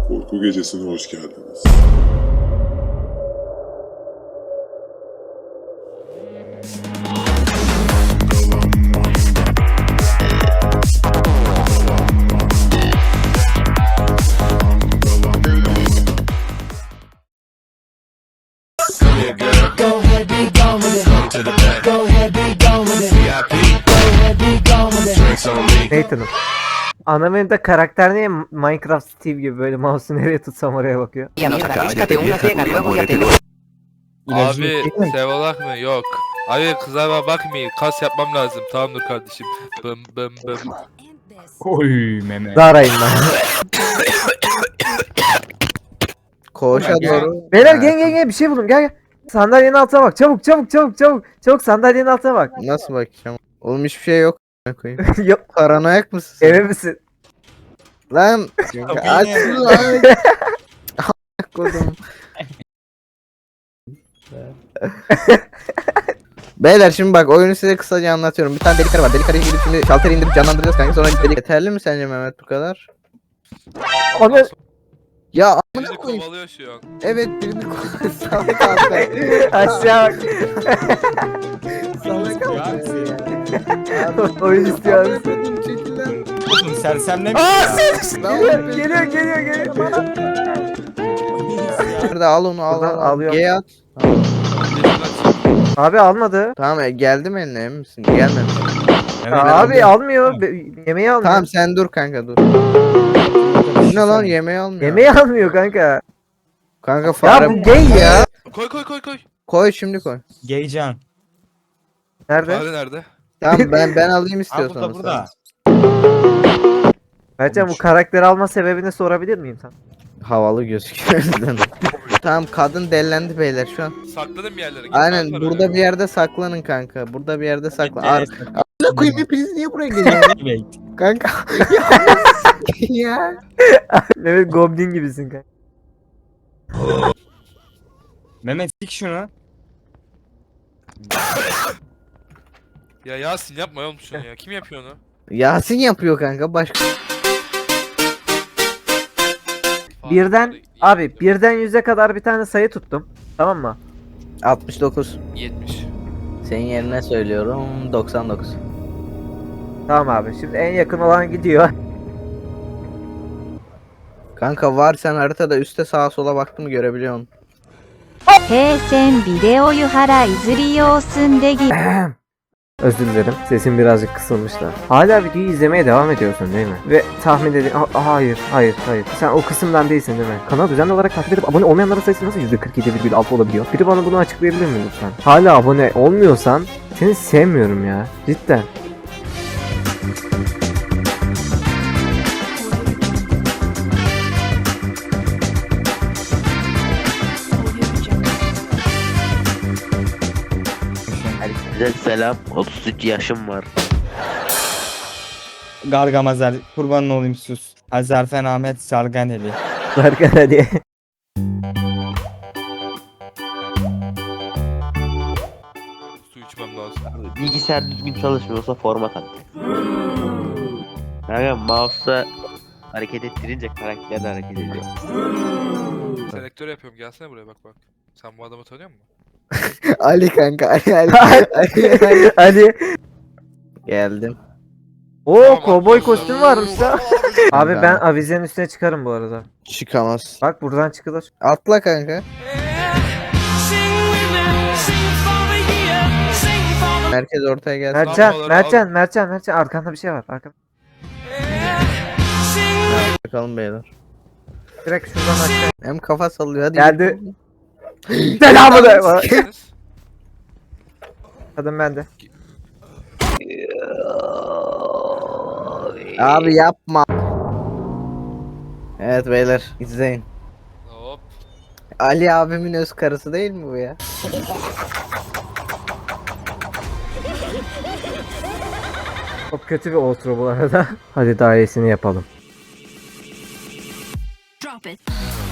Korku Gecesi'ne hoş geldiniz. Go ahead, be gone with it. Go ahead, be gone with it. Go ahead, be gone with it. Nathan'ım. Ana menüde karakter niye Minecraft Steve gibi böyle mouse'u nereye tutsam oraya bakıyor? Abi sevalak mı? Yok. Abi kızlarıma bakmayın. Kas yapmam lazım. Tamamdır kardeşim. Bım bım bım. Oy meme. Darayım ben. Koğuşa doğru. Beyler gel bir şey buldum gel. Sandalyenin altına bak çabuk sandalyenin altına bak. Nasıl bakacağım? Oğlum hiçbir şey yok. Koyayım. Yok Paranoyak mısın sen? emin misin? Lan aç lan. Kodum. Beyler şimdi bak oyunu size kısaca anlatıyorum. Bir tane deli karı var. Deli karıyı gidip şimdi şalteri indirip canlandıracağız kanka. Sonra deli... Yeterli mi sence Mehmet bu kadar? Onu Ya amına Birini koyayım. kovalıyor şu an. Evet birini koy. Salak abi. aşağı bak. Salak abi. Oyun istiyor musun? Amına çekil lan. Oğlum sersemle mi? Aa Lan geliyor. Nerede al onu al Buradan al. alıyorum. G at. Abi almadı. Tamam geldi mi eline emin misin? Gelmemiş. Abi almıyor. Yemeği almıyor. Tamam sen dur kanka dur. Ne lan yemeği almıyor. Yemeği almıyor kanka. Kanka fare. Ya bu gay ya. Koy. Koy şimdi koy. Geycan. Nerede? Fare nerede? Tamam ben alayım Ha istiyorsan. burada. Mertcan bu karakteri alma sebebini sorabilir miyim sen? Havalı gözüküyor. Tamam kadın dellendi beyler şu an. Saklanın bir yerlere. Git Aynen lan burada oraya. bir yerde saklanın kanka. Burada bir yerde saklan. Evet. Arada koyayım hepiniz niye buraya geliyorsunuz? Kanka. Ya. Mehmet Goblin gibisin kanka. Mehmet sik şunu. Ya Yasin yapma oğlum şunu ya. Kim yapıyor onu? Yasin yapıyor kanka başka. Birden abi birden 100'e kadar bir tane sayı tuttum. Tamam mı? 69. 70. Senin yerine söylüyorum 99. Tamam abi. Şimdi en yakın olan gidiyor. Kanka var sen haritada üste sağa sola baktın mı görebiliyorsun. 平線ビデオ湯原いずり用済んでぎ Özür dilerim. Sesim birazcık kısılmış da. Hala videoyu izlemeye devam ediyorsun değil mi? Ve tahmin edin... Hayır. Sen o kısımdan değilsin değil mi? Kanalı düzenli olarak takip edip abone olmayanların sayısı nasıl %47,6 olabiliyor? Biri bana bunu açıklayabilir mi lütfen? Hala abone olmuyorsan seni sevmiyorum ya. Cidden. Herkese selam. 33 yaşım var. Gargamazer. Kurbanın olayım sus. Azerfen Ahmet Sarganeli. Berkan hadi. Su içmem lazım. Bilgisayar düzgün çalışmıyorsa format at. Kanka mouse'la hareket ettirince karakter de hareket ediyor. Selektör yapıyorum. Gelsene buraya bak. Sen bu adamı tanıyor musun? Ali kanka Ali. Hadi. Geldim. Oo kovboy kostüm varmış da. Abi ben avizenin üstüne çıkarım bu arada. Çıkamaz. Bak buradan çıkılır. Atla kanka. Merkez ortaya gelsin. Mertcan arkanda bir şey var. Arkanda. Bakalım beyler. Direkt şuradan aşağı. Hem kafa sallıyor hadi. Geldi. Selamı da. Siz? Kadın bende. Abi yapma. Evet beyler izleyin. Hop. Ali abimin öz karısı değil mi bu ya? Çok kötü bir outro bu arada. Hadi daha iyisini yapalım. Drop it.